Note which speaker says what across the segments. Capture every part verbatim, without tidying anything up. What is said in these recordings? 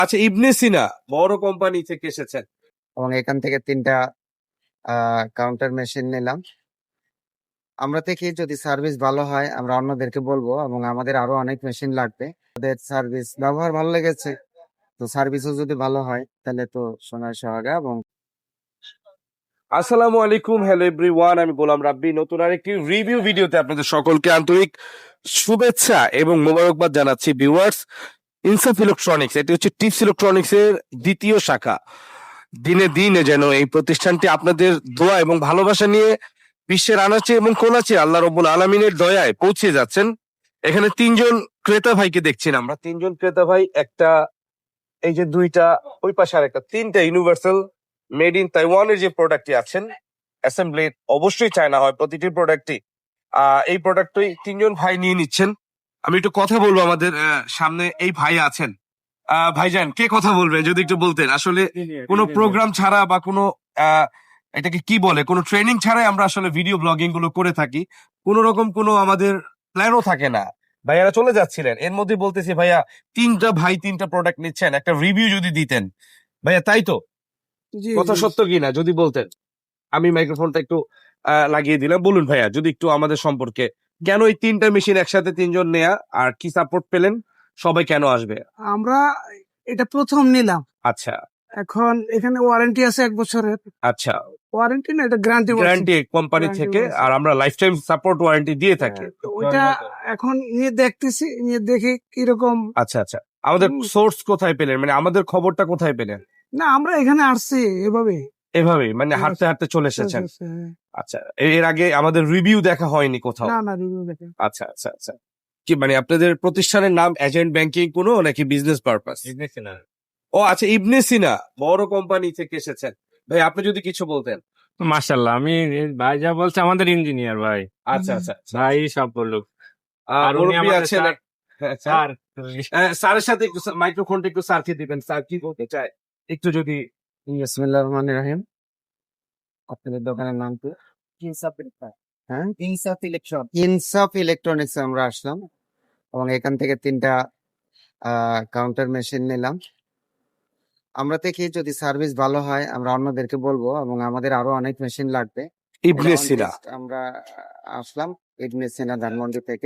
Speaker 1: আচ্ছা, ইবনে সিনা বড় কোম্পানি থেকে এসেছেন।
Speaker 2: এবং এখান থেকে তিনটা কাউন্টার মেশিন নিলাম। আমরা থেকে যদি সার্ভিস ভালো হয় আমরা অন্যদেরকে বলবো, এবং আমাদের আরো অনেক মেশিন লাগবে। ওদের সার্ভিস ব্যবহার ভালো লেগেছে, তো সার্ভিসও যদি ভালো হয় তাহলে তো সোনার সোহাগা। এবং
Speaker 1: আসসালামু আলাইকুম, হ্যালো এভরিওয়ান, আমি গোলাম রাব্বি। নতুন আরেকটি রিভিউ ভিডিওতে আপনাদের সকলকে আন্তরিক শুভেচ্ছা এবং মোবারকবাদ জানাচ্ছি। ভিউয়ার্স, ইনসাফ ইলেকট্রনিক্স, এটি হচ্ছে টিপস ইলেকট্রনিক্স এর দ্বিতীয় শাখা। দিনে দিনে যেন এই প্রতিষ্ঠানটি আপনাদের দোয়া এবং ভালোবাসা নিয়ে বিশ্বের আনাচে এবং কোনাচে আল্লাহ রব্বুল আলমিনের দয়ায় পৌঁছে যাচ্ছেন। এখানে তিনজন ক্রেতা ভাইকে দেখছেন আমরা, তিনজন ক্রেতা ভাই, একটা এই যে দুইটা, ওই পাশে আর একটা, তিনটা ইউনিভার্সাল মেড ইন তাইওয়ানের যে প্রোডাক্টটি আছেন, অ্যাসেম্বলি অবশ্যই চায়না হয় প্রতিটি প্রোডাক্টই। আহ এই প্রোডাক্টই তিনজন ভাই নিয়ে নিচ্ছেন। আমি একটু কথা বলবো, আমাদের আহ, সামনে এই ভাই আছেন। আহ ভাইজান, কে কথা বলবেন যদি একটু বলতেন? আসলে কোনো প্রোগ্রাম ছাড়া বা কোনো আহ এটাকে কি বলে, কোনো ট্রেনিং ছাড়াই আমরা আসলে ভিডিও ব্লগিং গুলো করে থাকি। কোন রকম কোনো আমাদের প্ল্যানও থাকে না। ভাইয়ারা চলে যাচ্ছিলেন, এর মধ্যে বলতেছি ভাইয়া তিনটা ভাই তিনটা প্রোডাক্ট নিচ্ছেন, একটা রিভিউ যদি দিতেন ভাইয়া। তাই তো? কথা সত্য কিনা যদি বলতেন। আমি মাইক্রোফোনটা একটু আহ, লাগিয়ে দিলাম। বলুন ভাইয়া, যদি একটু আমাদের সম্পর্কে, কেন এই তিনটা মেশিন একসাথে তিনজন নেয়া, আর কি সাপোর্ট পেলেন, সবাই কেন আসবে?
Speaker 3: আমরা এটা প্রথম নিলাম।
Speaker 1: আচ্ছা
Speaker 3: এখন এখানে ওয়ারেন্টি আছে এক বছরের।
Speaker 1: আচ্ছা,
Speaker 3: ওয়ারেন্টি না, এটা গ্যারান্টি
Speaker 1: গ্যারান্টি কোম্পানি
Speaker 3: Guarantee
Speaker 1: থেকে,
Speaker 3: বলছে।
Speaker 1: আর আমরা লাইফ টাইম সাপোর্ট ওয়ারেন্টি দিয়ে থাকি।
Speaker 3: ওইটা এখন নিয়ে দেখতেছি, নিয়ে দেখি কিরকম।
Speaker 1: আচ্ছা আচ্ছা, আমাদের
Speaker 3: হুম।
Speaker 1: সোর্স কোথায় পেলেন, মানে আমাদের খবরটা কোথায় পেলেন?
Speaker 3: না, আমরা এখানে আসছি এভাবে।
Speaker 1: এভাবেই মানে হাঁটতে হাঁটতে চলে এসেছেন? আচ্ছা, এর আগে আমাদের রিভিউ দেখা হয়নি কোথাও?
Speaker 3: না না, রিভিউ দেখে।
Speaker 1: আচ্ছা আচ্ছা আচ্ছা, কি মানে আপনাদের প্রতিষ্ঠানের নাম এজেন্ট ব্যাংকিং কোনো, নাকি বিজনেস পারপাস? ও আচ্ছা, ইবনে সিনা বড় কোম্পানি থেকে এসেছেন। ভাই আপনি যদি কিছু বলতেন।
Speaker 4: মাশাল্লাহ, আমি ভাই যা বলছে আমাদের ইঞ্জিনিয়ার ভাই
Speaker 1: আচ্ছা আচ্ছা আচ্ছা,
Speaker 4: ভাই সব বললো।
Speaker 1: আহ,
Speaker 4: আর উনি
Speaker 1: মুরব্বি
Speaker 4: আমাদের
Speaker 1: আছেন।
Speaker 4: স্যার-
Speaker 1: হ্যাঁ, স্যার।
Speaker 4: স্যার
Speaker 1: আহ, স্যারের সাথে একটু মাইক্রোফোনটা একটু স্যারকে দিবেন। স্যার কি বলতে চায় একটু যদি।
Speaker 2: বিসমিল্লাহির রহমানির রহিম। আপনাদের দোকানের নাম কি? হ্যাঁ,
Speaker 3: ইনসাফ ইলেকট্রন।
Speaker 2: ইনসাফ ইলেকট্রনিক্স আমরা আসলাম, এবং এখান থেকে তিনটা কাউন্টার মেশিন নিলাম। আমরা থেকে যদি সার্ভিস ভালো হয় আমরা অন্যদেরকে বলবো, এবং আমাদের আরো অনেক মেশিন লাগবে।
Speaker 1: ইবনে
Speaker 2: এটা on
Speaker 1: সিনা।
Speaker 2: list আমরা আসলাম ইবনে সিনা ধানমন্ডি থেকে।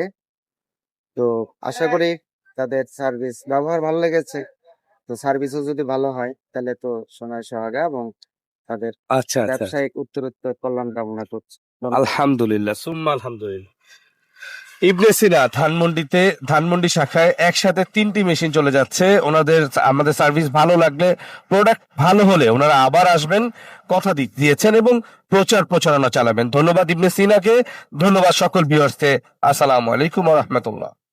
Speaker 2: তো আশা করি তাদের সার্ভিস ব্যবহার ভালো লেগেছে, তো সার্ভিসও যদি ভালো হয় তাহলে তো সোনার সোহাগা। এবং তাদের
Speaker 1: আচ্ছা আচ্ছা,
Speaker 2: ব্যবসায়িক উত্তরোত্তর কল্যাণ কামনা করছি।
Speaker 1: আলহামদুলিল্লাহ, সুম্মা আলহামদুলিল্লাহ। ইবনে সিনা ধানমন্ডিতে, ধানমন্ডি শাখায় একসাথে তিনটি মেশিন চলে যাচ্ছে ওনাদের। আমাদের সার্ভিস ভালো লাগলে, প্রোডাক্ট ভালো হলে ওনারা আবার আসবেন, কথা দি- দিয়েছেন এবং প্রচার প্রচারণা চালাবেন। ধন্যবাদ ইবনে সিনাকে, ধন্যবাদ সকল ভিউয়ার্সকে। আসসালামু আলাইকুম ওয়া রাহমাতুল্লাহ।